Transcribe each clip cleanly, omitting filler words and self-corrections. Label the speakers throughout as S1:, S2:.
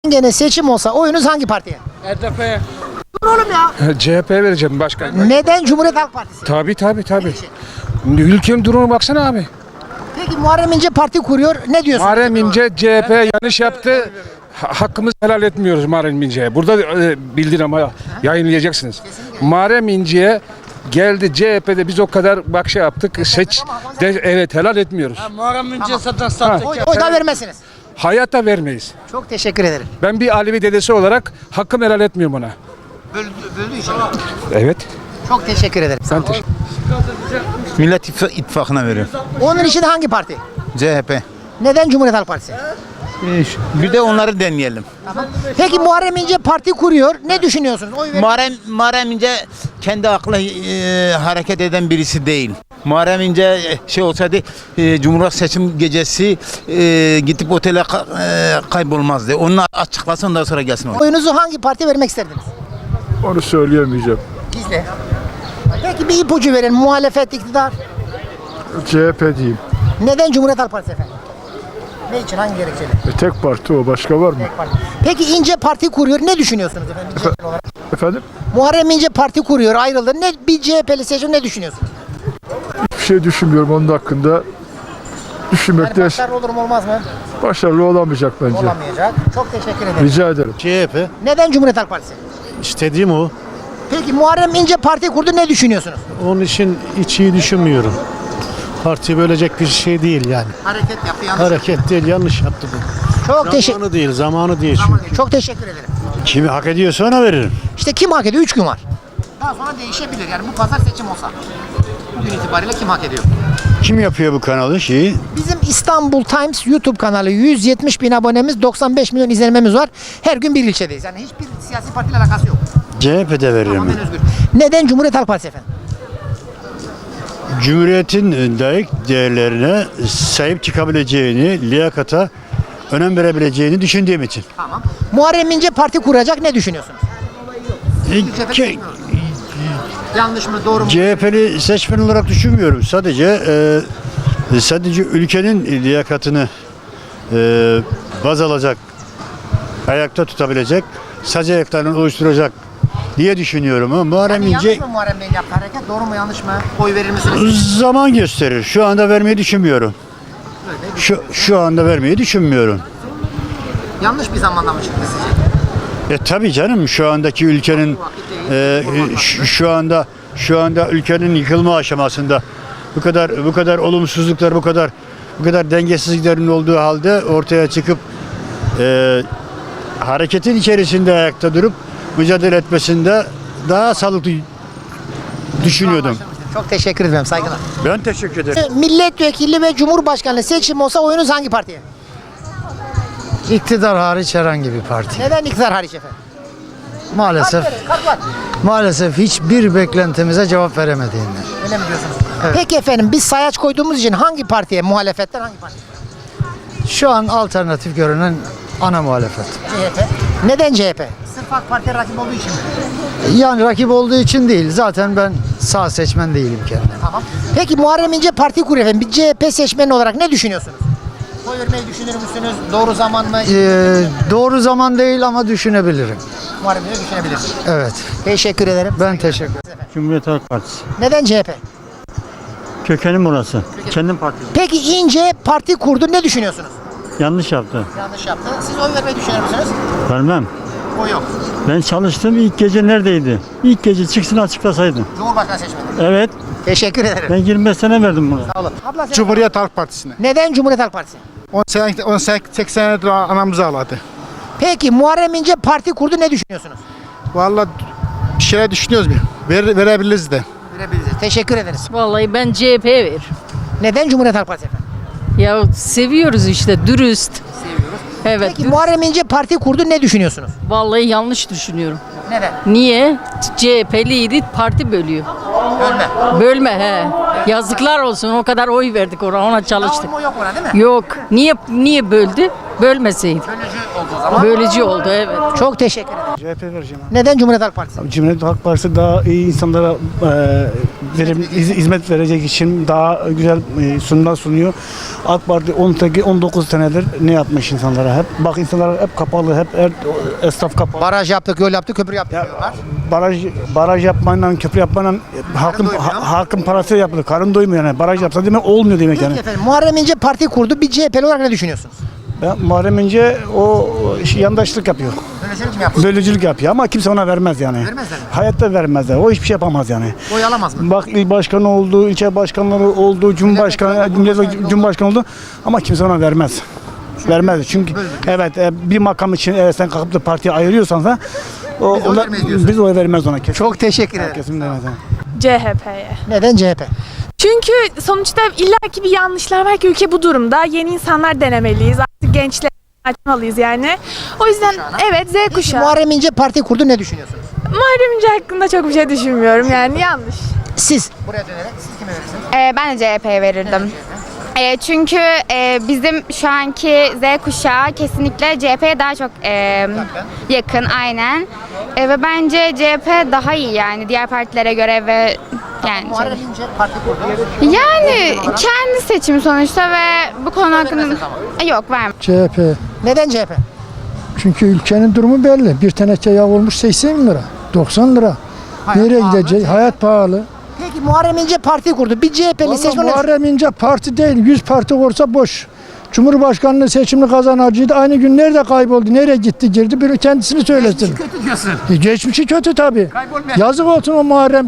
S1: Gene seçim olsa oyunuz hangi partiye?
S2: HDP'ye.
S1: Dur oğlum ya.
S2: CHP'ye vereceğim başkan.
S1: Neden Cumhuriyet Halk Partisi?
S2: Tabii. Ülkenin durumuna baksana abi.
S1: Peki Muharrem İnce parti kuruyor. Ne diyorsun?
S2: Muharrem İnce CHP yanlış yaptı. Hakkımızı helal etmiyoruz Muharrem İnce'ye. Burada bildir ama yayınlayacaksınız. Muharrem İnce'ye geldi CHP'de biz o kadar bak şey yaptık. Evet helal etmiyoruz.
S3: Muharrem İnce zaten sahtekar.
S1: Oy da vermezsiniz.
S2: Hayatta vermeyiz.
S1: Çok teşekkür ederim.
S2: Ben bir Alevi dedesi olarak hakkımı helal etmiyorum ona.
S1: Böldüğü için.
S2: Evet.
S1: Çok teşekkür ederim.
S2: Ben teşekkür
S4: Millet İttifakı'na veriyorum.
S1: Onun için hangi parti?
S4: CHP.
S1: Neden Cumhuriyet Halk Partisi?
S4: Bir de onları deneyelim.
S1: Peki Muharrem İnce parti kuruyor. Ne düşünüyorsunuz? Oy verin.
S4: Muharrem İnce kendi aklı hareket eden birisi değil. Muharrem İnce şey olsaydı Cumhurbaşkanı seçim gecesi gidip otele kaybolmazdı. Onu açıklasın ondan sonra gelsin.
S1: Oyunuzu hangi partiye vermek isterdiniz?
S5: Onu söyleyemeyeceğim.
S1: Gizli. Peki bir ipucu verin. Muhalefet, iktidar.
S5: CHP diyeyim.
S1: Neden Cumhuriyet Halk Partisi efendim? Ne için? Hangi gerekçeyle?
S5: Tek parti o. Başka var mı?
S1: Tek parti. Peki İnce parti kuruyor. Ne düşünüyorsunuz efendim? Bir CHP'li olarak?
S5: Efendim?
S1: Muharrem İnce parti kuruyor. Ayrıldı. Ne bir CHP'li seçim ne düşünüyorsunuz?
S5: Bir şey düşünmüyorum onun hakkında. Düşünmekte
S1: Başarılı olur mu olmaz mı?
S5: başarılı olamayacak bence.
S1: Olamayacak. Çok teşekkür ederim.
S5: Rica ederim.
S6: CHP.
S1: Neden Cumhuriyet Halk Partisi?
S6: İstediğim o.
S1: Peki Muharrem İnce parti kurdu. Ne düşünüyorsunuz?
S6: Onun için hiç iyi düşünmüyorum. Parti bölecek bir şey değil yani.
S1: Hareket yaptı. Yanlış.
S6: Hareket değil, yanlış yaptı bu.
S1: Çok teşekkür
S6: Zamanı değil çünkü.
S1: Çok teşekkür ederim.
S6: Kimi hak ediyorsa ona veririm.
S1: İşte kim hak ediyor? 3 gün var. Daha sonra değişebilir. Yani bu pazar seçim olsa. Bugün itibariyle kim hak ediyor?
S6: Kim yapıyor bu kanalı şeyi?
S1: Bizim İstanbul Times YouTube kanalı 170 bin abonemiz, 95 milyon izlenmemiz var. Her gün bir ilçedeyiz. Yani hiçbir siyasi partiyle alakası yok.
S6: CHP'de veririm.
S1: Tamamen özgür. Neden Cumhuriyet Halk Partisi efendim?
S6: Cumhuriyetin layık değerlerine sahip çıkabileceğini, liyakata önem verebileceğini düşündüğüm için.
S1: Tamam. Muharrem İnce parti kuracak. Ne düşünüyorsunuz? Yanlış mı? Doğru mu?
S6: CHP'li seçmen olarak düşünmüyorum. Sadece ülkenin liyakatını baz alacak, ayakta tutabilecek, sac ayaklarını oluşturacak diye düşünüyorum. Ama Muharrem
S1: Yani
S6: İnce
S1: yanlış mı Muharrem Bey'in yaptığı hareket? Doğru mu yanlış mı? Oy verir misiniz?
S6: zaman gösterir. Şu anda vermeyi düşünmüyorum. Şu anda vermeyi düşünmüyorum.
S1: Yanlış bir zamanda mı çıktı sizce?
S6: Tabii canım şu andaki ülkenin şu anda ülkenin yıkılma aşamasında bu kadar olumsuzluklar bu kadar dengesizliklerin olduğu halde ortaya çıkıp hareketin içerisinde ayakta durup mücadele etmesinde daha sağlıklı düşünüyordum.
S1: Çok teşekkür ederim. Saygılar.
S6: Ben teşekkür ederim.
S1: Milletvekili ve Cumhurbaşkanlığı seçim olsa oyunuz hangi partiye?
S7: İktidar hariç herhangi bir parti.
S1: Neden iktidar hariç efendim?
S7: Maalesef hiçbir beklentimize cevap veremediğinden.
S1: Öyle mi diyorsunuz? Peki efendim biz sayaç koyduğumuz için hangi partiye, muhalefetten hangi parti?
S7: Şu an alternatif görünen ana muhalefet.
S1: CHP. Neden CHP? Sırf AK Parti rakip olduğu için mi?
S7: Yani rakip olduğu için değil. Zaten ben sağ seçmen değilim kendim.
S1: Tamam. Peki Muharrem İnce parti kuruyor efendim. Bir CHP seçmeni olarak ne düşünüyorsunuz? Oy vermeyi düşünür müsünüz? Doğru zaman mı?
S7: Doğru zaman değil ama düşünebilirim.
S1: Muharrem İnce düşünebilir.
S7: Evet.
S1: Teşekkür ederim.
S7: Ben teşekkür ederim.
S8: Cumhuriyet Halk Partisi.
S1: Neden CHP?
S8: Kökenim burası. Kendim partim.
S1: Peki İnce parti kurdu. Ne düşünüyorsunuz?
S8: Yanlış yaptı.
S1: Yanlış yaptı. Siz oy vermeyi düşünür müsünüz?
S8: Vermem.
S1: O yok.
S8: Ben çalıştım ilk gece neredeydi? İlk gece çıksın açıklasaydı.
S1: Cumhurbaşkanı seçmeni.
S8: Evet.
S1: Teşekkür ederim.
S8: Ben 25 sene verdim buna.
S1: Sağ olun. Abla sen-
S5: Cumhuriyet Halk Partisi'ne.
S1: Neden Cumhuriyet Halk Partisi?
S5: 18 senedir anamızı ağladı.
S1: Peki Muharrem İnce parti kurdu. Ne düşünüyorsunuz?
S5: Vallahi bir şeyler düşünüyoruz. Verebiliriz de.
S1: Verebiliriz. Teşekkür ederiz.
S9: Vallahi ben CHP'ye veririm.
S1: Neden Cumhuriyet Halk Partisi efendim?
S9: Ya seviyoruz işte dürüst. Seviyoruz. Evet.
S1: Peki Muharrem İnce parti kurdu. Ne düşünüyorsunuz?
S9: Vallahi yanlış düşünüyorum.
S1: Neden?
S9: Niye? CHP'liydi parti bölüyor.
S1: Ölme.
S9: Bölme he. Yazıklar olsun o kadar oy verdik ona çalıştık.
S1: Dağılma yok ona değil mi?
S9: Yok. Niye böldü? Bölmeseydi.
S1: Bölücü oldu o zaman.
S9: Bölücü oldu evet.
S1: Çok teşekkür ederim.
S5: CHP vereceğim.
S1: Neden Cumhuriyet Halk Partisi?
S5: Cumhuriyet Halk Partisi daha iyi insanlara
S3: hizmet verecek için daha güzel sunumlar sunuyor. AK Parti 19 senedir ne yapmış insanlara hep? Bak insanlar hep kapalı, hep esnaf kapalı.
S1: Baraj yaptık, yol yaptık, köprü yaptık diyorlar.
S3: Baraj yapmayla, köprü yapmayla halkın parası yapılır. Karın doymuyor yani. Baraj yapsa demek olmuyor demek
S1: Peki
S3: yani.
S1: efendim, Muharrem İnce parti kurdu. Bir CHP'li olarak ne düşünüyorsunuz?
S3: Muharrem İnce o yandaşlık yapıyor.
S1: Bölücülük mü yaptı?
S3: Bölücülük yapıyor ama kimse ona vermez yani.
S1: Vermezler mi?
S3: Hayatta vermezler. O hiçbir şey yapamaz yani.
S1: Oy alamaz mı?
S3: Bak il başkanı oldu, ilçe başkanları oldu, cumhurbaşkanı oldu ama kimse ona vermez. Vermez çünkü evet bir makam için sen kalkıp da partiye ayırıyorsan da biz oy vermez ona.
S1: Çok teşekkür ederim.
S3: Kesin vermez.
S10: CHP'ye.
S1: Neden CHP?
S10: Çünkü sonuçta illaki bir yanlışlar var ki ülke bu durumda. Yeni insanlar denemeliyiz. Artık gençler açmalıyız yani. O yüzden evet Z kuşağı.
S1: Muharrem İnce parti kurdu, ne düşünüyorsunuz?
S10: Muharrem İnce hakkında çok bir şey düşünmüyorum yani yanlış.
S1: Siz buraya dönerek siz kime verirsiniz?
S11: Ben de CHP'ye verirdim. Çünkü bizim şu anki Z kuşağı kesinlikle CHP'ye daha çok yakın aynen. Ve bence CHP daha iyi yani diğer partilere göre ve yani
S1: Muharrem İnce parti kurdu.
S11: yani kendi seçimi sonuçta ve bu konu hakkında yok vermem.
S7: CHP.
S1: Neden CHP?
S7: Çünkü ülkenin durumu belli. Bir teneke yağ olmuş 80 lira, 90 lira. Nereye
S1: pahalı,
S7: gidecek? Hayat pahalı.
S1: Peki Muharrem İnce parti kurdu. Bir CHP'li
S7: Vallahi
S1: seçmen
S7: Muharrem İnce parti değil, 100 parti olsa boş. Cumhurbaşkanlığı seçimini kazanacıydı. Aynı gün nerede kayboldu, nereye gitti, girdi, bir kendisini söylesin.
S1: kötü diyorsun.
S7: Geçmişi kötü tabii.
S1: Kaybolmayan.
S7: Yazık olsun o Muharrem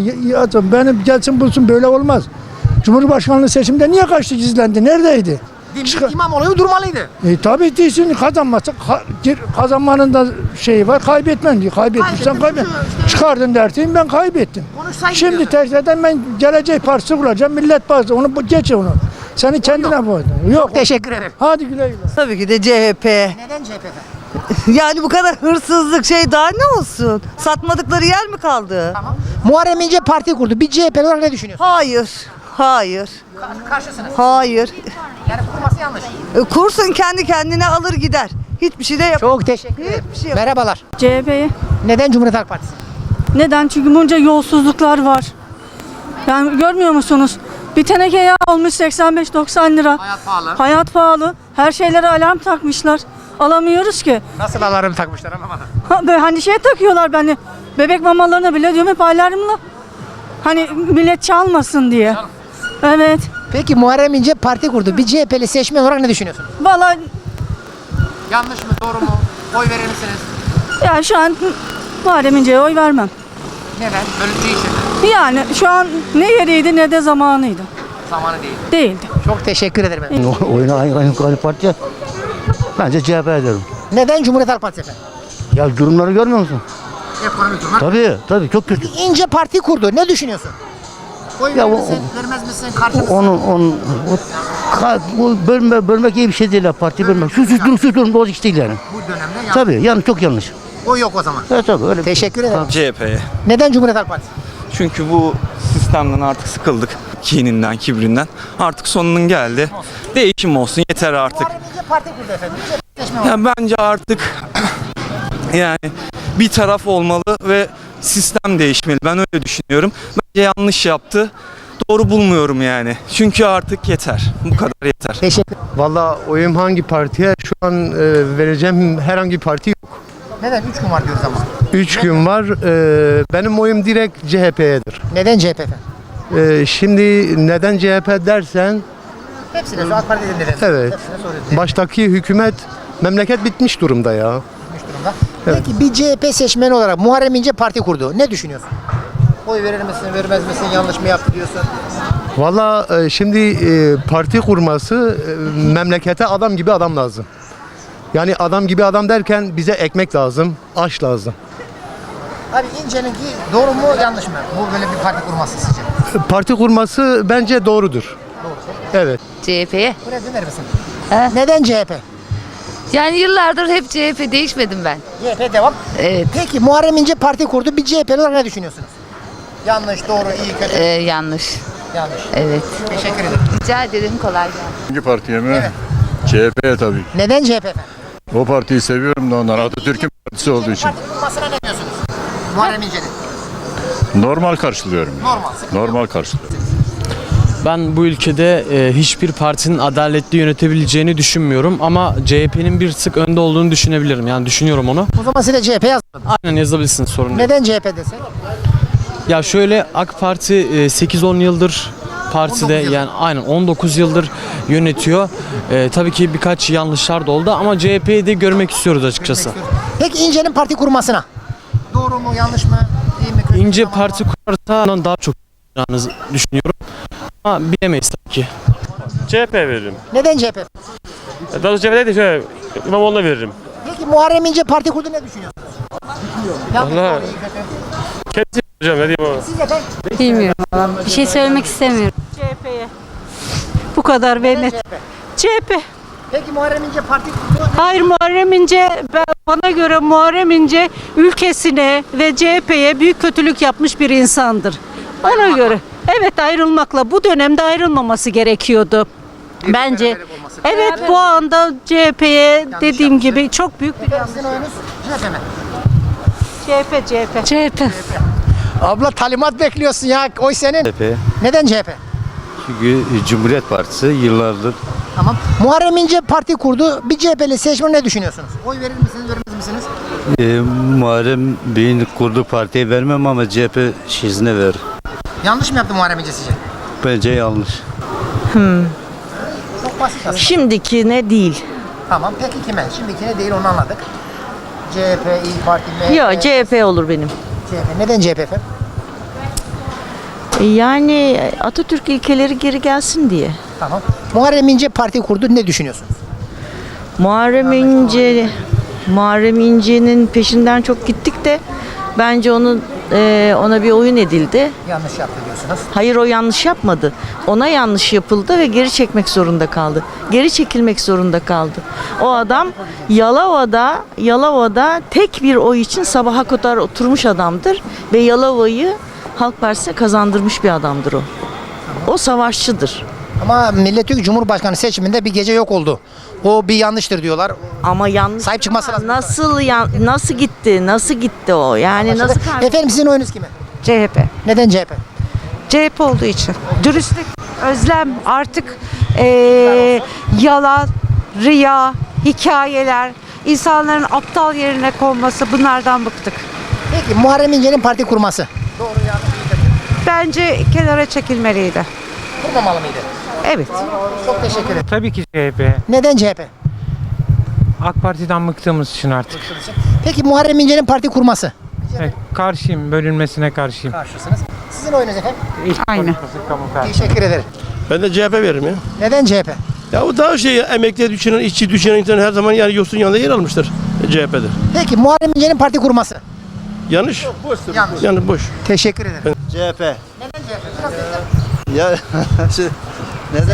S7: CHP. Benim gelsin bulsun, böyle olmaz. Cumhurbaşkanlığı seçimde niye kaçtı, gizlendi, neredeydi?
S1: Dimdik İmamoğlu durmalıydı.
S7: Tabii değilsin, kazanmazsa kazanmanın da şeyi var, kaybetmen diyor. Kaybetmişsen kaybet. Çıkardın derteyim, ben kaybettim.
S1: Konuşsaydın
S7: Şimdi
S1: diyorsun.
S7: tekrardan ben Gelecek Partisi kuracağım, Millet Partisi, onu geç onu. Seni kendine koy. Yok.
S1: Teşekkür ederim.
S7: Hadi güle güle.
S12: Tabii ki de CHP.
S1: Neden CHP efendim?
S12: Yani bu kadar hırsızlık şey daha ne olsun? Satmadıkları yer mi kaldı?
S1: Tamam. Muharrem İnce parti kurdu. Bir CHP'li olarak ne düşünüyorsun?
S12: Hayır. Hayır.
S1: Karşısınız.
S12: Hayır.
S1: Yani kurması yanlış.
S12: Kursun kendi kendine alır gider. Hiçbir şey de yap.
S1: Çok teşekkür ederim.
S12: Hiçbir şey yok.
S1: Merhabalar.
S8: CHP'ye.
S1: Neden Cumhuriyet Halk Partisi?
S8: Neden? Çünkü bunca yolsuzluklar var. Yani görmüyor musunuz? Bir teneke yağ olmuş 85-90 lira.
S1: Hayat pahalı.
S8: Hayat pahalı. Her şeylere alarm takmışlar. Alamıyoruz ki.
S1: Nasıl alarm takmışlar anlamadım.
S8: Böyle hani şey takıyorlar beni. Bebek mamalarına bile diyorum hep alarmla. Hani millet çalmasın diye. Evet.
S1: Peki Muharrem İnce parti kurdu. Bir CHP'li seçmen olarak ne düşünüyorsun?
S8: Vallahi
S1: Yanlış mı, doğru mu? Oy verir misiniz?
S8: yani şu an Muharrem İnce'ye oy vermem.
S1: Neden? Böyle değişir.
S8: Yani şu an ne yeriydi ne de zamanıydı.
S1: Zamanı değil.
S8: Değildi.
S1: Çok teşekkür ederim.
S6: Oyuna hangi parti? Bence CHP ederim.
S1: Neden Cumhuriyet Halk Partisi efendim?
S6: Ya durumları görmüyor musun?
S1: Ekonomik durumlar.
S6: Tabii çok kötü.
S1: İnce parti kurdu. Ne düşünüyorsun? Oy
S6: Ya
S1: verir
S6: o-
S1: misin, vermez misin, karşı mısın?
S6: Bu bölmek iyi bir şey değil ya, parti bölmek. Şu durum doğru iş değil yani.
S1: Bu dönemde yanlış.
S6: Tabii yani çok yanlış.
S1: Oy yok o zaman.
S6: Evet tabii öyle.
S1: Teşekkür ederim.
S13: CHP'ye.
S1: Neden Cumhuriyet Halk Partisi?
S13: Çünkü bu sistemden artık sıkıldık. Kininden, kibrinden. Artık sonunun geldi. Değişim olsun yeter artık.
S1: Muharrem İnce parti kurdu efendim. Seçmen olarak.
S13: Ya bence artık yani bir taraf olmalı ve sistem değişmeli. Ben öyle düşünüyorum. Bence yanlış yaptı. Doğru bulmuyorum yani. Çünkü artık yeter. Bu kadar yeter.
S1: Teşekkür.
S5: Valla oyum hangi partiye? Şu an vereceğim herhangi bir parti yok.
S1: Neden? 3 gün var diyoruz ama.
S5: 3 gün var. Benim oyum direkt CHP'yedir.
S1: Neden CHP efendim?
S5: Şimdi neden CHP dersen,
S1: Hepsine şu AK Parti dinledim.
S5: evet,
S1: Hepsine soruyoruz.
S5: baştaki hükümet, memleket bitmiş durumda ya.
S1: Durumda.
S5: Evet.
S1: Peki bir CHP seçmeni olarak Muharrem İnce parti kurdu. Ne düşünüyorsun? Oy verir misin, vermez misin, yanlış mı yaptı diyorsun?
S5: Valla şimdi parti kurması memlekete adam gibi adam lazım. Yani adam gibi adam derken bize ekmek lazım, aş lazım.
S1: Abi İnce'ninki doğru mu, yanlış mı? Bu böyle bir parti kurması sizce?
S5: Parti kurması bence doğrudur. Evet.
S11: CHP'ye.
S1: Buraya döner misin? Neden CHP?
S11: Yani yıllardır hep CHP değişmedim ben.
S1: CHP devam.
S11: Evet.
S1: Peki Muharrem İnce parti kurdu. Bir CHP'li olarak ne düşünüyorsunuz? Yanlış, doğru, iyi, kötü.
S11: Yanlış.
S1: Yanlış.
S11: Evet.
S1: Teşekkür ederim.
S11: Rica ederim kolay gelsin.
S6: Hangi partiye mi?
S1: Evet.
S6: CHP'ye tabii.
S1: Neden CHP efendim?
S6: O partiyi seviyorum da ondan. Atatürk'ün partisi olduğu için.
S1: Parti kurmasına ne diyorsunuz? Muharrem İnce'nin.
S6: Normal karşılıyorum.
S1: Normal.
S6: Normal karşılıyorum.
S13: Ben bu ülkede hiçbir partinin adaletli yönetebileceğini düşünmüyorum ama CHP'nin bir tık önde olduğunu düşünebilirim. Yani düşünüyorum onu.
S1: O zaman siz de CHP yazmadınız.
S13: Aynen yazabilirsiniz, sorun değil.
S1: Neden CHP desek?
S13: Ya şöyle, AK Parti 8-10 yıldır partide,
S1: 19 yıl.
S13: yani aynen 19 yıldır yönetiyor. Tabii ki birkaç yanlışlar da oldu ama CHP'yi de görmek istiyoruz açıkçası.
S1: Peki İnce'nin parti kurmasına. Doğru mu, yanlış mı, iyi mi, kötü mü,
S13: İnce
S1: tamam mı?
S13: parti kurarsa ondan daha çok yapacağını düşünüyorum. Ama bilemeyiz tabii ki.
S14: CHP veririm.
S1: Neden CHP?
S14: Daha doğrusu CHP değil de şöyle İmamoğlu'na veririm.
S1: Peki Muharrem İnce parti kurdu, ne düşünüyorsunuz? Yanlış,
S14: Vallahi-
S1: doğru, iyi, kötü.
S14: Kendisi hocam ne diyeyim ama.
S1: Siz efendim?
S8: Bilmiyorum. Bir şey söylemek istemiyorum.
S9: CHP'ye. Bu kadar
S1: Neden
S9: net.
S1: CHP?
S9: CHP.
S1: Peki Muharrem İnce parti kurdu.
S9: Hayır, Muharrem İnce, bana göre Muharrem İnce ülkesine ve CHP'ye büyük kötülük yapmış bir insandır. Ona göre. Evet, ayrılmakla bu dönemde ayrılmaması gerekiyordu. Bence. Evet, bu anda CHP'ye dediğim gibi çok büyük bir
S1: Sizin oyunuz CHP mi?
S9: CHP.
S1: Abla talimat bekliyorsun ya. Oy senin. Neden CHP?
S6: Çünkü Cumhuriyet Partisi yıllardır
S1: Tamam. Muharrem İnce parti kurdu. Bir CHP'li seçmen, ne düşünüyorsunuz? Oy verir misiniz, vermez misiniz?
S6: Muharrem Bey'in kurduğu partiye vermem ama CHP şizine ver.
S1: Yanlış mı yaptı Muharrem İnce sizce?
S6: Bence yanlış.
S1: Çok basit aslında.
S9: Şimdikine değil.
S1: Tamam. Peki kime? Şimdikine değil, onu anladık. CHP, İYİ Parti, MHP.
S9: Yok, CHP olur benim.
S1: CHP. Neden CHP efendim?
S9: Yani Atatürk ilkeleri geri gelsin diye.
S1: Tamam. Muharrem İnce parti kurdu. Ne düşünüyorsunuz?
S9: Muharrem İnce'nin peşinden çok gittik de bence ona bir oyun edildi.
S1: Yanlış yaptı diyorsunuz.
S9: Hayır, o yanlış yapmadı. Ona yanlış yapıldı ve geri çekmek zorunda kaldı. Geri çekilmek zorunda kaldı. O adam Yalova'da tek bir oy için sabaha kadar oturmuş adamdır ve Yalova'yı Halk Partisi'ne kazandırmış bir adamdır o. O savaşçıdır.
S1: Ama Millet Cumhurbaşkanı seçiminde bir gece yok oldu. O bir yanlıştır diyorlar.
S9: Ama yanlış.
S1: Sahip çıkması lazım.
S9: Nasıl gitti? Nasıl gitti o? Yani nasıl
S1: Efendim sizin oyunuz kime?
S9: CHP.
S1: Neden CHP?
S9: CHP olduğu için. Dürüstlük, özlem, artık yalan, riya, hikayeler, insanların aptal yerine konması, bunlardan bıktık.
S1: Peki Muharrem İnce'nin parti kurması. Doğru, yanlış, iyi, kötü.
S9: Bence kenara çekilmeliydi.
S1: Kurmamalı mıydı?
S9: Evet.
S1: Çok teşekkür ederim.
S14: Tabii ki CHP.
S1: Neden CHP?
S14: AK Parti'den bıktığımız için artık.
S1: Peki Muharrem İnce'nin parti kurması.
S14: Karşıyım, bölünmesine karşıyım.
S1: Karşısınız. Sizin oyunuz efendim?
S9: Aynen.
S1: Teşekkür ederim.
S14: Ben de CHP veririm ya.
S1: Neden CHP?
S14: Ya o daha emekliye düşünen, işçi düşünen insan her zaman yani yoksulun yanında yer almıştır CHP'de.
S1: Peki Muharrem İnce'nin parti kurması.
S14: Yanlış.
S1: Yanlış.
S14: Yani boş.
S1: Teşekkür ederim.
S6: CHP.
S1: Neden CHP? Biraz destek.
S6: Ya neden?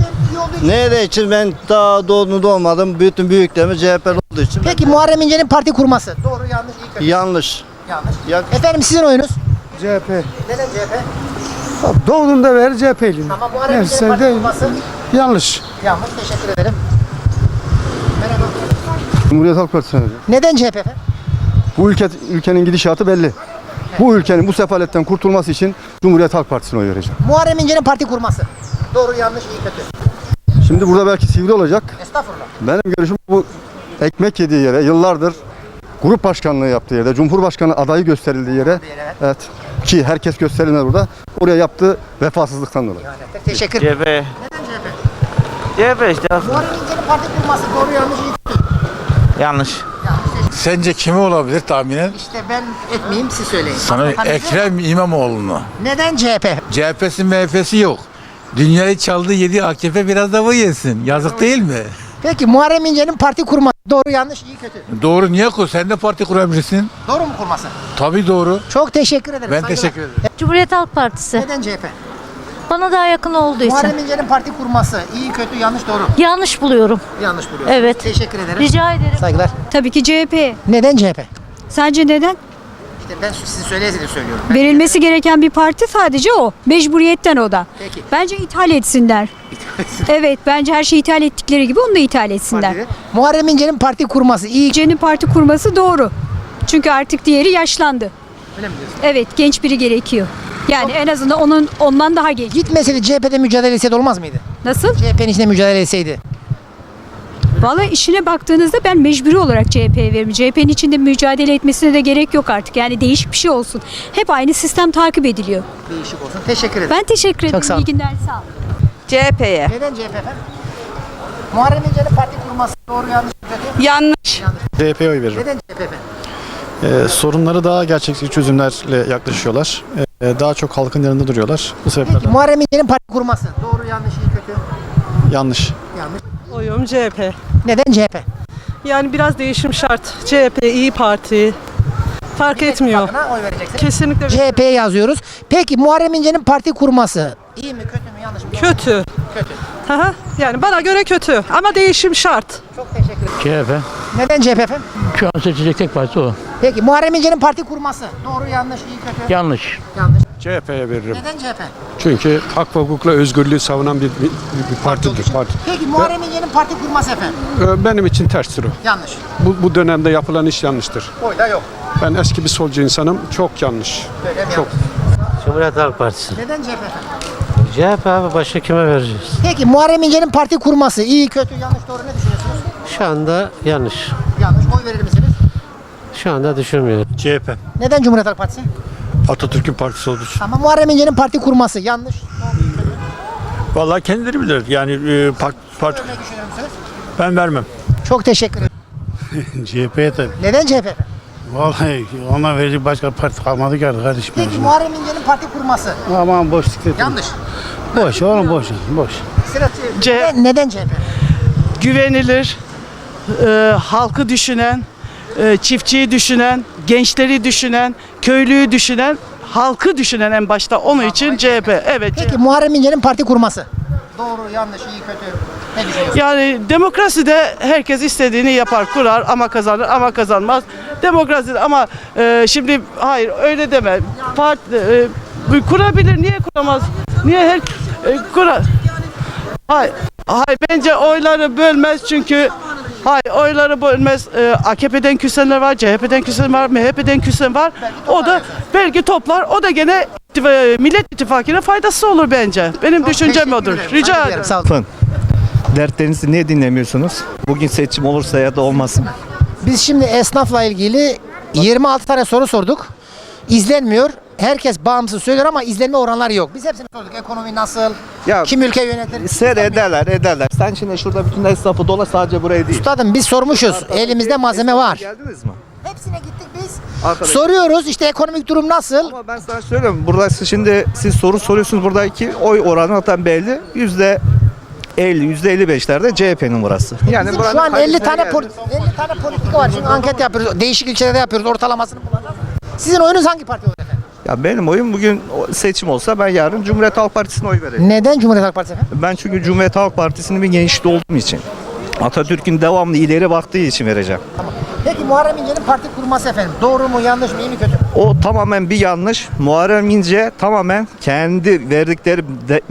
S6: Nerede için ben daha doğmadım. Bütün büyüklerimiz CHP'li olduğu için.
S1: Peki Muharrem İnce'nin parti kurması. Doğru, yanlış, iyi, kötü.
S6: Yanlış.
S1: Yanlış. Efendim sizin oyunuz?
S7: CHP.
S1: Neden CHP?
S7: Doğduğunda ver CHP'liyim.
S1: Tamam, Muharrem İnce'nin parti kurması.
S7: Yanlış.
S1: Yanlış. Teşekkür ederim. Merhaba.
S6: Cumhuriyet Halk Partisi.
S1: Neden CHP efendim?
S6: Bu ülkenin gidişatı belli. Bu ülkenin bu sefaletten kurtulması için Cumhuriyet Halk Partisi'ne oy vereceğim.
S1: Muharrem İnce'nin parti kurması. Doğru, yanlış, iyi, kötü.
S6: Şimdi burada belki sivri olacak.
S1: Estağfurullah.
S6: Benim görüşüm bu ekmek yediği yere yıllardır grup başkanlığı yaptığı yerde, Cumhurbaşkanı adayı gösterildiği yere, evet, ki herkes gösterilmez burada, oraya yaptığı vefasızlıktan dolayı.
S1: Teşekkür
S14: CHP.
S1: Neden CHP?
S14: CHP işte.
S1: Muharrem İnce'nin parti kurması. Doğru, yanlış, iyi, kötü.
S14: Yanlış.
S15: Sence kimi olabilir tahminen?
S1: İşte ben etmeyeyim, siz söyleyin.
S15: Sana Ekrem İmamoğlu'nu.
S1: Neden CHP?
S15: CHP'si MHP'si yok. Dünyayı çaldı yedi, AKP biraz da bu yesin. Yazık değil mi?
S1: Peki Muharrem İnce'nin parti kurması. Doğru, yanlış, iyi, kötü.
S15: Doğru, niye kur? Sen de parti kurabilirsin.
S1: Doğru mu kurması?
S15: Tabii doğru.
S1: Çok teşekkür ederim.
S15: Ben
S1: saygılar.
S15: teşekkür ederim.
S9: Cumhuriyet Halk Partisi.
S1: Neden CHP?
S9: Bana daha yakın olduğu
S1: Muharrem İnce'nin parti kurması. İyi, kötü, yanlış, doğru.
S9: Yanlış buluyorum.
S1: Yanlış buluyorsun.
S9: Evet.
S1: Teşekkür ederim.
S9: Rica ederim.
S1: Saygılar.
S8: Tabii ki CHP.
S1: Neden CHP?
S8: Sence neden?
S1: İşte ben sizin söyleyesiniz söylüyorum.
S8: Verilmesi gereken bir parti sadece o. Mecburiyetten o da.
S1: Peki.
S8: Bence ithal etsinler. Evet, bence her şeyi ithal ettikleri gibi onu da ithal etsinler.
S1: Muharrem İnce'nin parti kurması. İyi.
S8: İnce'nin parti kurması doğru. Çünkü artık diğeri yaşlandı.
S1: Öyle mi diyorsun?
S16: Evet, genç biri gerekiyor. Yani en azından ondan daha genç.
S1: Gitmeseydi CHP'de mücadele etseydi olmaz mıydı?
S16: Nasıl?
S1: CHP'nin içinde mücadele etseydi.
S16: Vallahi işine baktığınızda ben mecburi olarak CHP'ye veririm. CHP'nin içinde mücadele etmesine de gerek yok artık. Yani değişik bir şey olsun. Hep aynı sistem takip ediliyor.
S1: Değişik olsun. Teşekkür ederim.
S16: Ben teşekkür ederim.
S1: Çok sağ olun.
S16: İyi günler, sağ olun.
S12: CHP'ye.
S1: Neden CHP efendim? Muharrem İnce'nin parti kurması doğru yanlış mı kötü?
S12: Yanlış.
S3: CHP'ye oy veririm.
S1: Neden CHP efendim?
S3: Sorunları daha gerçekçi çözümlerle yaklaşıyorlar. Daha çok halkın yanında duruyorlar. Bu
S1: Peki
S3: sebeplerden
S1: Muharrem İnce'nin parti kurması doğru yanlış iyi kötü?
S3: yanlış.
S1: Yanlış.
S17: Oyum CHP.
S1: Neden CHP?
S17: Yani biraz değişim şart. CHP, İyi Parti. Fark etmiyor.
S1: Bakına oy vereceksiniz.
S17: Kesinlikle
S1: CHP'ye yazıyoruz. Peki Muharrem İnce'nin parti kurması iyi mi kötü mü yanlış mı?
S17: kötü.
S1: Kötü.
S17: Aha, yani bana göre kötü ama değişim şart.
S1: Çok teşekkür ederim.
S14: CHP.
S1: Neden CHP efendim?
S14: Şu an seçecek tek parti o.
S1: Peki Muharrem İnce'nin parti kurması doğru yanlış iyi kötü?
S14: Yanlış.
S1: Yanlış.
S2: CHP'ye veririm.
S1: Neden CHP?
S2: Çünkü hak ve hukukla özgürlüğü savunan bir partidir.
S1: Peki Muharrem İnce'nin parti kurması efendim?
S2: Benim için terstir o.
S1: Yanlış.
S2: Bu dönemde yapılan iş yanlıştır.
S1: Oyda yok.
S2: Ben eski bir solcu insanım. Çok yanlış.
S1: Öyle mi
S2: Çok.
S14: Cumhuriyet Halk Partisi.
S1: Neden CHP efendim?
S14: CHP abi, başka kime vereceğiz?
S1: Peki Muharrem İnce'nin parti kurması iyi kötü yanlış doğru ne düşünüyorsunuz?
S14: Şu anda yanlış.
S1: Yanlış. Oy verir misiniz?
S14: Şu anda düşünmüyorum. CHP.
S1: Neden Cumhuriyet Halk Partisi?
S14: Atatürk'ün partisi olduğu için.
S1: Ama Muharrem İnce'nin parti kurması yanlış.
S14: Vallahi kendileri bilir. Yani parti
S1: Ne düşünür müsünüz?
S14: ben vermem.
S1: Çok teşekkür ederim.
S14: CHP'ye tabii.
S1: Neden CHP efendim?
S14: Vallahi ona verecek başka parti kalmadı ki kardeşim.
S1: Peki Muharrem İnce'nin parti kurması
S14: Aman boş siklet.
S1: yanlış.
S14: Boş oğlum, boş.
S1: Sıra neden CHP?
S17: Güvenilir, halkı düşünen, çiftçiyi düşünen, gençleri düşünen, köylüyü düşünen, halkı düşünen en başta onun için CHP. Evet.
S1: Peki Muharrem İnce'nin parti kurması doğru yanlış iyi kötü ne düşünüyorsunuz?
S17: Yani demokraside herkes istediğini yapar, kurar ama kazanır ama kazanmaz. Demokraside ama şimdi hayır öyle deme. Kurabilir, niye kuramaz? Niye her kurar? Hayır, bence oyları bölmez çünkü oyları bölmez. AKP'den küsenler var, CHP'den küsen var, MHP'den küsen var. O da belki toplar. O da gene Millet İttifakı'na faydası olur bence. Benim düşüncem odur. Rica ederim.
S1: Sağ olun.
S18: Dertlerinizi niye dinlemiyorsunuz? Bugün seçim olursa ya da olmasın.
S1: Biz şimdi esnafla ilgili 26 tane soru sorduk. İzlenmiyor. Herkes bağımsız söylüyor ama izlenme oranları yok. Biz hepsini sorduk. Ekonomi nasıl?
S18: Ya,
S1: Kim ülke yönetir?
S18: Ederler. Sen şimdi şurada bütün esnafı dola, sadece buraya değil.
S1: Üstadım biz sormuşuz. Elimizde malzeme var.
S18: Geldiniz mi?
S1: Hepsine gittik biz.
S18: Arkadaş.
S1: Soruyoruz işte ekonomik durum nasıl?
S18: Ama ben sana söylüyorum. Burada şimdi siz soru soruyorsunuz. Buradaki oy oranı zaten belli. %50, %55'lerde CHP'nin burası. Yani
S1: Bizim şu an 50 tane politika var. Çünkü anket yapıyoruz. Değişik ilçelerde yapıyoruz. Ortalamasını bulacağız. Sizin oyunuz hangi parti olur efendim?
S18: Ya benim oyum bugün seçim olsa ben yarın Cumhuriyet Halk Partisi'ne oy veririm.
S1: Neden Cumhuriyet Halk Partisi efendim?
S18: Ben çünkü Cumhuriyet Halk Partisi'nin bir gençliği olduğum için. Atatürk'ün devamlı ileri baktığı için vereceğim.
S1: Tamam. Peki Muharrem İnce'nin parti kurması efendim. Doğru mu yanlış mı iyi mi kötü mü?
S18: O tamamen bir yanlış. Muharrem İnce tamamen kendi verdikleri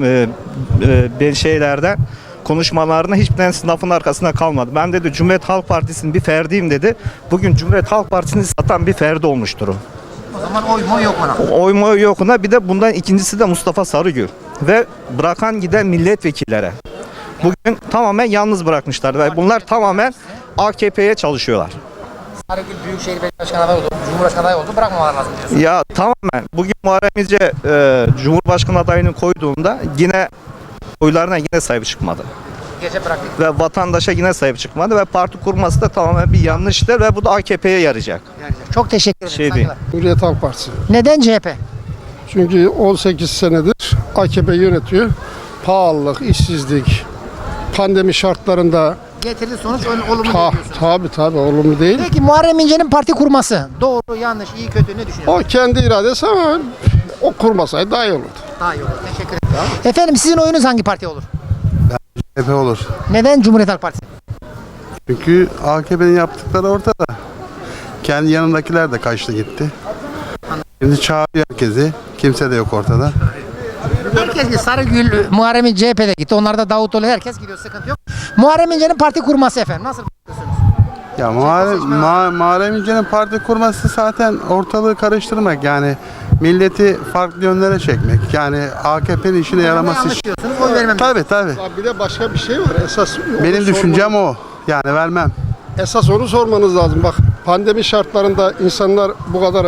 S18: şeylerden konuşmalarına hiçbir tanesi lafın arkasında kalmadı. Ben dedi Cumhuriyet Halk Partisi'nin bir ferdiyim dedi. Bugün Cumhuriyet Halk Partisi'ni satan bir ferdi olmuştur o.
S1: O zaman oy mu yok ona?
S18: Oy mu yok ona. Bir de bundan ikincisi de Mustafa Sarıgül. Ve bırakan giden milletvekillere. Bugün tamamen yalnız bırakmışlar. Ve bunlar tamamen AKP'ye çalışıyorlar.
S1: Sarıgül Büyükşehir Belediye Başkanı adayı oldu. Cumhurbaşkanı adayı oldu. Bırakmamalar lazım diyorsun.
S18: Ya tamamen. Bugün Muharrem İnce Cumhurbaşkanı adayını koyduğunda yine oylarına yine sahip çıkmadı.
S1: Gece bıraktık.
S18: Ve vatandaşa yine sahip çıkmadı ve parti kurması da tamamen bir yanlıştır ve bu da AKP'ye yarayacak.
S1: Çok teşekkür ederim.
S18: Şey değil.
S1: Saygılar.
S2: Cumhuriyet Halk Partisi.
S1: Neden CHP?
S2: Çünkü 18 senedir AKP yönetiyor. Pahalılık, işsizlik, pandemi şartlarında
S1: Getirdi sonuç olumlu diyorsun.
S2: tabii olumlu değil.
S1: Peki Muharrem İnce'nin parti kurması doğru yanlış iyi kötü ne düşünüyorsun?
S2: O kendi iradesi ama o kurmasaydı daha iyi olurdu.
S1: Daha iyi olur. Teşekkür ederim. Efendim sizin oyunuz hangi parti olur?
S2: CHP olur.
S1: Neden Cumhuriyet Halk Partisi?
S2: Çünkü AKP'nin yaptıkları ortada. Kendi yanındakiler de kaçtı gitti. Şimdi çağırıyor herkesi. Kimse de yok ortada.
S1: Herkes gidiyor. Sarıgül, Muharrem İnce CHP'de gitti. Onlar da Davutoğlu herkes gidiyor. Sıkıntı yok. Muharrem İnce'nin parti kurması efendim. Nasıl bakıyorsunuz?
S19: Ya Muharrem İnce'nin parti kurması zaten ortalığı karıştırmak, yani milleti farklı yönlere çekmek. Yani AKP'nin işine yaraması için.
S1: Oy vermem.
S19: Tabii.
S20: Bir de başka bir şey var. Esas
S19: Benim düşüncem o. Yani vermem.
S20: Esas onu sormanız lazım. Bak, pandemi şartlarında insanlar bu kadar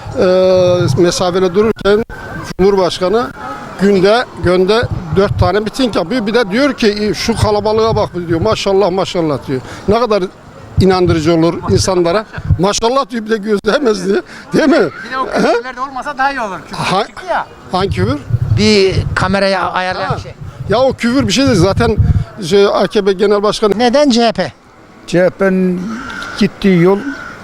S20: mesafeli dururken Cumhurbaşkanı günde 4 tane miting yapıyor. Bir de diyor ki şu kalabalığa bak diyor. Maşallah diyor. Ne kadar inandırıcı olur insanlara. Maşallah diyor, bir de gözlemez diye. Değil mi?
S1: Bir de o küfürler de olmasa daha iyi olur. Küfür çıktı ya.
S20: Hangi küfür?
S1: Bir kameraya ayarlayan bir şey.
S20: Ya o küfür bir şey değil. Zaten AKP Genel Başkanı.
S1: Neden CHP?
S7: CHP'nin gittiği yol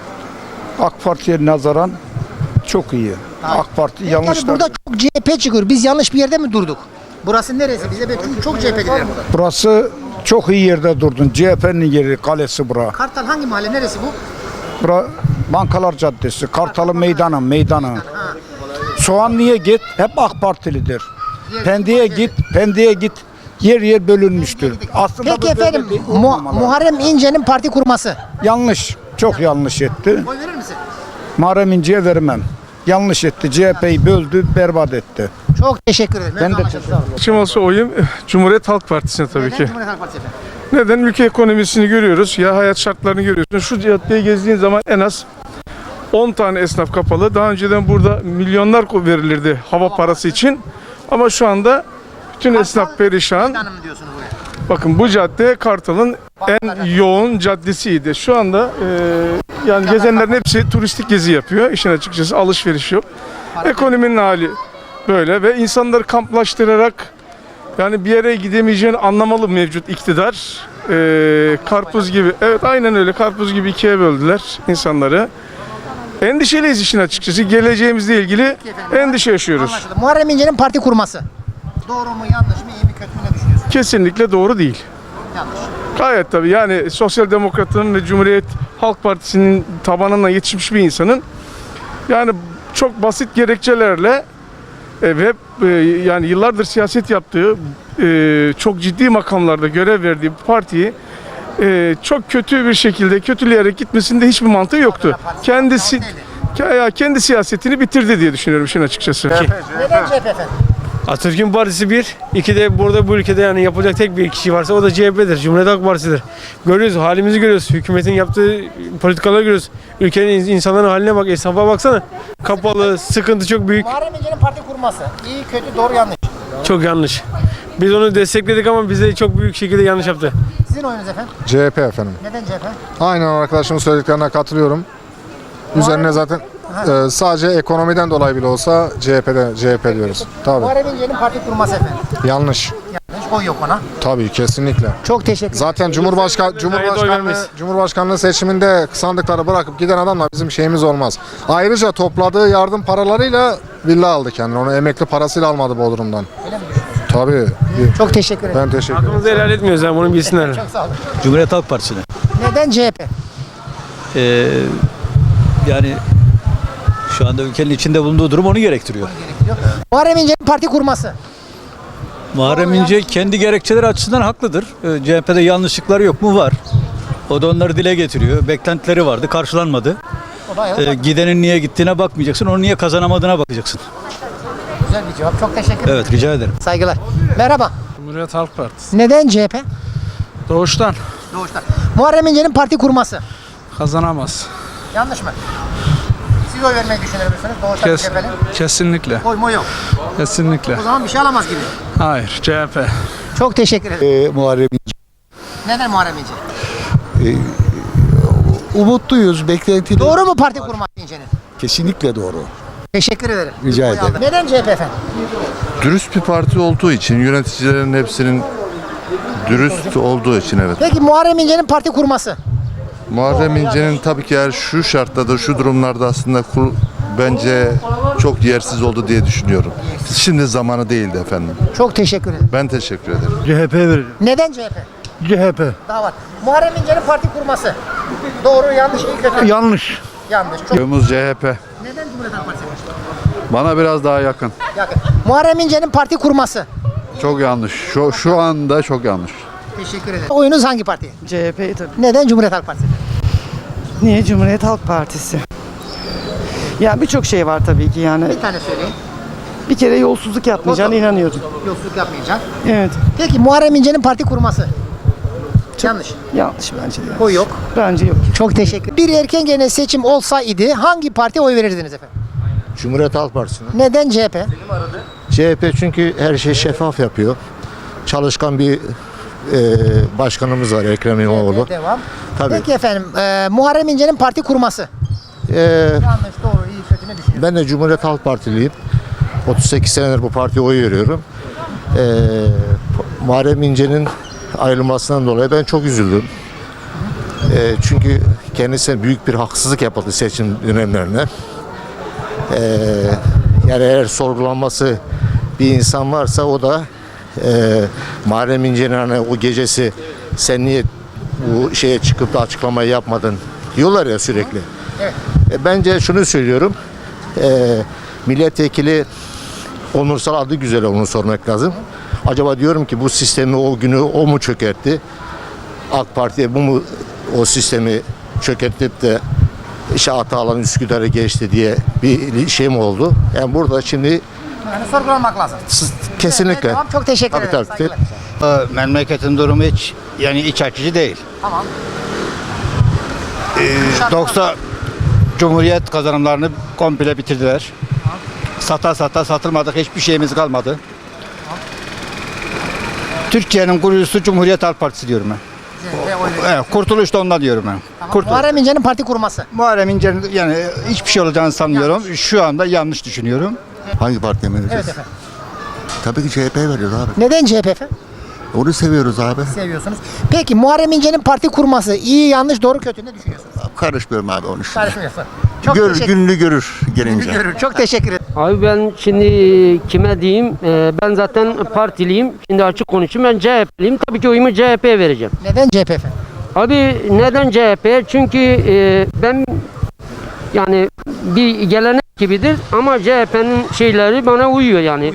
S7: AK Parti'ye nazaran çok iyi. AK Parti yanlış.
S1: Yani burada çok CHP çıkıyor. Biz yanlış bir yerde mi durduk? Burası neresi? Bize çünkü çok CHP gider burada.
S7: Burası çok iyi yerde durdun. CHP'nin yeri, kalesi bura.
S1: Kartal hangi mahalle? Neresi bu?
S7: Bura Bankalar Caddesi, Kartalı meydanı. Soğanlı'ya git, hep AK Partilidir. Pendik'e git. Yer bölünmüştür. Aslında
S1: Peki efendim, Muharrem İnce'nin parti kurması.
S7: Yanlış, çok yanlış etti.
S1: Oy verir misin?
S7: Muharrem İnce'ye vermem. Yanlış etti. CHP'yi böldü, berbat etti.
S1: Çok teşekkür ederim.
S7: Ben de
S2: Kim olsa oyum Cumhuriyet Halk Partisi'ne tabii ki.
S1: Cumhuriyet Halk Partisi efendim.
S2: Neden? Ülke ekonomisini görüyoruz. Ya hayat şartlarını görüyorsun. Şu caddeyi gezdiğin zaman en az 10 tane esnaf kapalı. Daha önceden burada milyonlar verilirdi hava parası için. Ama şu anda bütün esnaf perişan. Bakın bu cadde Kartal'ın en yoğun caddesiydi. Şu anda yani gezenlerin hepsi turistik gezi yapıyor. İşin açıkçası alışveriş yok. Ekonominin hali böyle ve insanları kamplaştırarak yani bir yere gidemeyeceğini anlamalı mevcut iktidar. Karpuz gibi, evet aynen öyle, karpuz gibi ikiye böldüler insanları. Endişeliyiz işin açıkçası. Geleceğimizle ilgili endişe yaşıyoruz.
S1: Anlaşıldı. Muharrem İnce'nin parti kurması. Doğru mu, yanlış mı, iyi mi, kötü mü, ne düşünüyorsun?
S2: Kesinlikle doğru değil.
S1: Yanlış.
S2: Gayet tabii, yani Sosyal Demokrat'ın ve Cumhuriyet Halk Partisi'nin tabanına yetişmiş bir insanın yani çok basit gerekçelerle ve yani yıllardır siyaset yaptığı, çok ciddi makamlarda görev verdiği bu partiyi çok kötü bir şekilde kötüleyerek gitmesinde hiçbir mantığı yoktu. Kendi siyasetini bitirdi diye düşünüyorum işin açıkçası.
S1: Neden CHP efendim?
S14: Atatürk'ün partisi bir. İki de burada bu ülkede yani yapacak tek bir kişi varsa o da CHP'dir. Cumhuriyet Halk Partisi'dir. Görüyoruz, halimizi görüyoruz. Hükümetin yaptığı politikaları görüyoruz. Ülkenin insanların haline bak, esnafa baksana. Kapalı, sıkıntı çok büyük.
S1: Muharrem İnce'nin parti kurması. İyi, kötü, doğru, yanlış.
S14: Çok yanlış. Biz onu destekledik ama bize çok büyük şekilde yanlış yaptı.
S1: Sizin oyunuz efendim?
S21: CHP efendim.
S1: Neden CHP?
S21: Aynen arkadaşımın söylediklerine katılıyorum. Üzerine zaten sadece ekonomiden dolayı bile olsa CHP diyoruz. Tabii.
S1: Muharrem İnce'nin parti kurması efendim.
S21: Yanlış.
S1: Yanlış, oy yok ona.
S21: Tabii kesinlikle.
S1: Çok teşekkür ederim.
S21: Zaten Cumhurbaşkanlığı seçiminde sandıkları bırakıp giden adamla bizim şeyimiz olmaz. Ayrıca topladığı yardım paralarıyla villa aldı kendine. Onu emekli parasıyla almadı Bodrum'dan.
S1: Öyle mi?
S21: Tabii.
S1: Çok teşekkür ederim.
S21: Ben teşekkür ederim.
S14: Hakkımızı helal etmiyoruz yani, bunu bilsinler.
S1: Çok sağ olun.
S22: Cumhuriyet Halk Partisi'ne.
S1: Neden CHP?
S22: Yani şu anda ülkenin içinde bulunduğu durum onu gerektiriyor.
S1: Muharrem İnce'nin parti kurması.
S22: Muharrem İnce kendi gerekçeleri açısından haklıdır. CHP'de yanlışlıkları yok mu? Var. O da onları dile getiriyor. Beklentileri vardı, karşılanmadı. Gidenin niye gittiğine bakmayacaksın, onu niye kazanamadığına bakacaksın.
S1: Güzel bir cevap. Çok teşekkür ederim.
S22: Evet, rica ederim.
S1: Saygılar. Merhaba.
S2: Cumhuriyet Halk Partisi.
S1: Neden CHP?
S2: Doğuştan
S1: Doğuştan. Muharrem İnce'nin parti kurması.
S2: kazanamaz.
S1: Yanlış mı? Siz oy vermeyi düşünür müsünüz? Doğuştan CHP'li.
S2: Kesinlikle.
S1: Oy mu yok?
S2: Kesinlikle.
S1: O zaman bir şey alamaz gibi.
S2: Hayır, CHP.
S1: Çok teşekkür ederim.
S22: Muharrem
S1: Neden Muharrem İnce?
S22: umutluyuz, beklentili.
S1: Doğru mu parti kurması İnce'nin?
S22: Kesinlikle doğru.
S1: Teşekkür ederim.
S22: Rica
S1: Oy
S22: ederim.
S1: aldım. Neden CHP efendim?
S23: Dürüst bir parti olduğu için, yöneticilerin hepsinin dürüst olduğu için evet.
S1: Peki Muharrem İnce'nin parti kurması.
S23: Muharrem İnce'nin tabii ki eğer şu şartlarda, şu durumlarda aslında bence çok yersiz oldu diye düşünüyorum. Şimdi zamanı değildi efendim.
S1: Çok teşekkür ederim.
S23: Ben teşekkür ederim.
S7: CHP veririm.
S1: Neden CHP?
S7: CHP.
S1: Daha var. Muharrem İnce'nin parti kurması. Doğru, yanlış, iyi, kötü.
S7: Yanlış.
S1: Yanlış. Çok...
S23: Yolumuz CHP.
S1: Neden Cumhuriyet Halk Partisi?
S23: Bana biraz daha yakın.
S1: Yakın. Muharrem İnce'nin parti kurması.
S23: Çok yanlış. Şu anda çok yanlış.
S1: Teşekkür ederim. Oyunuz hangi parti?
S17: CHP'yi tabii.
S1: Neden Cumhuriyet Halk Partisi?
S17: Niye Cumhuriyet Halk Partisi? Ya birçok şey var tabii ki yani.
S1: Bir tane söyleyin.
S17: Bir kere yolsuzluk yapmayacağına inanıyordum.
S1: Yolsuzluk yapmayacak.
S17: Evet.
S1: Peki Muharrem İnce'nin parti kurması? Yanlış.
S17: Yanlış bence de.
S1: O yok.
S17: Bence yok.
S1: Çok teşekkür. Bir erken genel seçim olsaydı hangi partiye oy verirdiniz efendim?
S4: Cumhuriyet Halk Partisi'ne.
S1: Neden CHP?
S4: CHP çünkü her şeyi şeffaf yapıyor. Çalışkan bir başkanımız var, Ekrem İmamoğlu.
S1: Devam.
S4: Tabii.
S1: Peki efendim Muharrem İnce'nin parti kurması? Yanlış, doğru, iyi, kötü ne düşünüyorsunuz?
S4: Ben de Cumhuriyet Halk Partiliyim. 38 senedir bu partiye oy veriyorum. Muharrem İnce'nin ayrılmasından dolayı ben çok üzüldüm. Çünkü kendisine büyük bir haksızlık yapıldı seçim dönemlerinde. Yani eğer sorgulanması bir insan varsa o da Muharrem İnce'nin hani o gecesi sen niye bu şeye çıkıp da açıklamayı yapmadın diyorlar ya sürekli.
S1: Evet.
S4: Bence şunu söylüyorum. Milletvekili onursal adı güzel onu sormak lazım. Acaba diyorum ki bu sistemi o günü o mu çökertti? AK Parti'ye bu mu o sistemi çökertip de işte Atalan Üsküdar'ı geçti diye bir şey mi oldu? Yani burada şimdi
S1: Yani sorgulamak lazım.
S4: kesinlikle.
S1: Tamam, çok teşekkür ederim.
S4: Tabii.
S5: Memleketin durumu hiç iç açıcı değil.
S1: Tamam.
S5: 90 Cumhuriyet kazanımlarını komple bitirdiler. Sata satılmadık, hiçbir şeyimiz kalmadı. Türkiye'nin kurucusu Cumhuriyet Halk Partisi diyorum ben. Evet, kurtuluş da ondan diyorum ben.
S1: Tamam. Muharrem İnce'nin parti kurması.
S5: Muharrem İnce'nin yani hiçbir şey olacağını sanmıyorum. Şu anda yanlış düşünüyorum.
S4: Hangi partiye vereceğiz?
S1: Evet efendim.
S4: Tabii ki CHP'ye veriyoruz abi.
S1: Neden CHP efendim?
S4: Onu seviyoruz abi.
S1: Seviyorsunuz. Peki Muharrem İnce'nin parti kurması iyi, yanlış, doğru, kötü ne düşünüyorsunuz?
S4: Karışmıyorum abi onun için.
S1: Karışmıyorsun. Çok teşekkür
S4: Gününü görür gelince.
S1: Görür. Çok teşekkür ederim.
S10: Abi ben şimdi kime diyeyim? Ben zaten partiliyim. Şimdi açık konuşayım. Ben CHP'liyim. Tabii ki oyumu CHP'ye vereceğim.
S1: Neden CHP efendim?
S10: Abi neden CHP? Çünkü ben yani bir gelenek gibidir ama CHP'nin şeyleri bana uyuyor yani.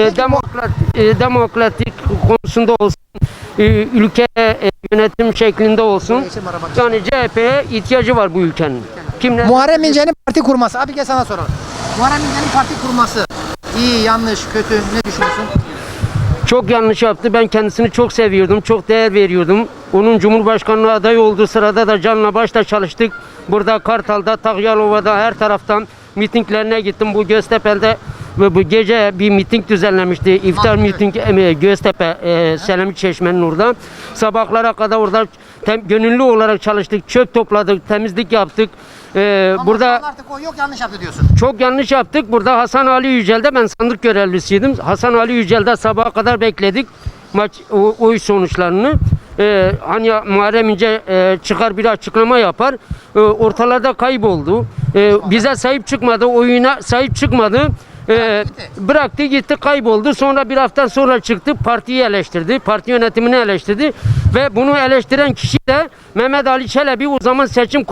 S10: Demokratik konusunda olsun, ülke yönetim şeklinde olsun. Yani CHP'ye ihtiyacı var bu ülkenin.
S1: Muharrem İnce'nin parti kurması. Abi gel sana soralım. Muharrem İnce'nin parti kurması iyi, yanlış, kötü ne düşünüyorsun?
S10: Çok yanlış yaptı. Ben kendisini çok seviyordum, çok değer veriyordum. Onun Cumhurbaşkanlığı adayı olduğu sırada da canla başla çalıştık. Burada Kartal'da, Takyalova'da her taraftan mitinglerine gittim. Bu Göztepe'de ve bu gece bir miting düzenlemişti. İftar miting Göztepe, Selami Çeşme'nin orada. Sabahlara kadar orada gönüllü olarak çalıştık. Çöp topladık, temizlik yaptık. Burada
S1: artık o yok, yanlış yaptı diyorsun.
S10: çok yanlış yaptık. Burada Hasan Ali Yücel'de ben sandık görevlisiydim. Hasan Ali Yücel'de sabaha kadar bekledik oy sonuçlarını. Hani Muharrem İnce çıkar bir açıklama yapar. Ortalarda kayboldu. Bize sahip çıkmadı, oyuna sahip çıkmadı. Bıraktı gitti, kayboldu. Sonra bir hafta sonra çıktı, partiyi eleştirdi, parti yönetimini eleştirdi ve bunu eleştiren kişi de Mehmet Ali Çelebi, o zaman seçim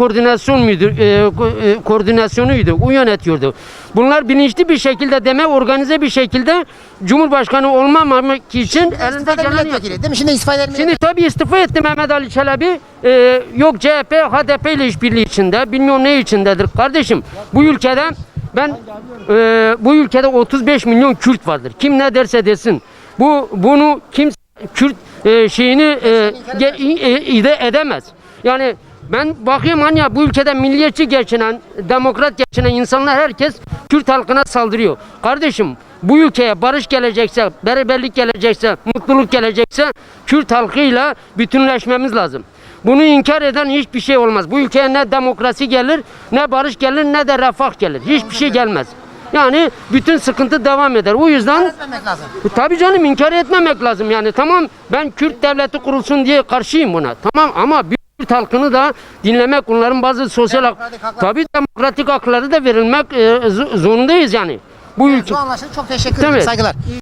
S10: koordinasyonuydu, o yönetiyordu. Bunlar bilinçli bir şekilde, organize bir şekilde Cumhurbaşkanı olmamak için elinde geleni
S1: değil mi? Şimdi istifa eder mi?
S10: Şimdi tabii istifa etti Mehmet Ali Çelebi. Yok CHP, HDP ile işbirliği içinde, bilmiyorum ne içindedir. Kardeşim bu ülkede bu ülkede 35 milyon Kürt vardır. Kim ne derse desin. Bunu kimse Kürt şeyini edemez. Yani ben bakıyorum hani bu ülkede milliyetçi geçinen, demokrat geçinen insanlar herkes Kürt halkına saldırıyor. Kardeşim bu ülkeye barış gelecekse, beraberlik gelecekse, mutluluk gelecekse Kürt halkıyla bütünleşmemiz lazım. Bunu inkar eden hiçbir şey olmaz. Bu ülkeye ne demokrasi gelir, ne barış gelir, ne de refah gelir. Hiçbir şey gelmez. Yani bütün sıkıntı devam eder. O yüzden
S1: etmemek lazım.
S10: Tabii canım, inkar etmemek lazım. Yani tamam, ben Kürt devleti kurulsun diye karşıyım buna. Tamam ama Kürt halkını da dinlemek, onların bazı sosyal tabii demokratik hakları da verilmek zorundayız yani. Bu ülke.
S1: Anlaşıldı. Çok teşekkür ederim. Saygılar.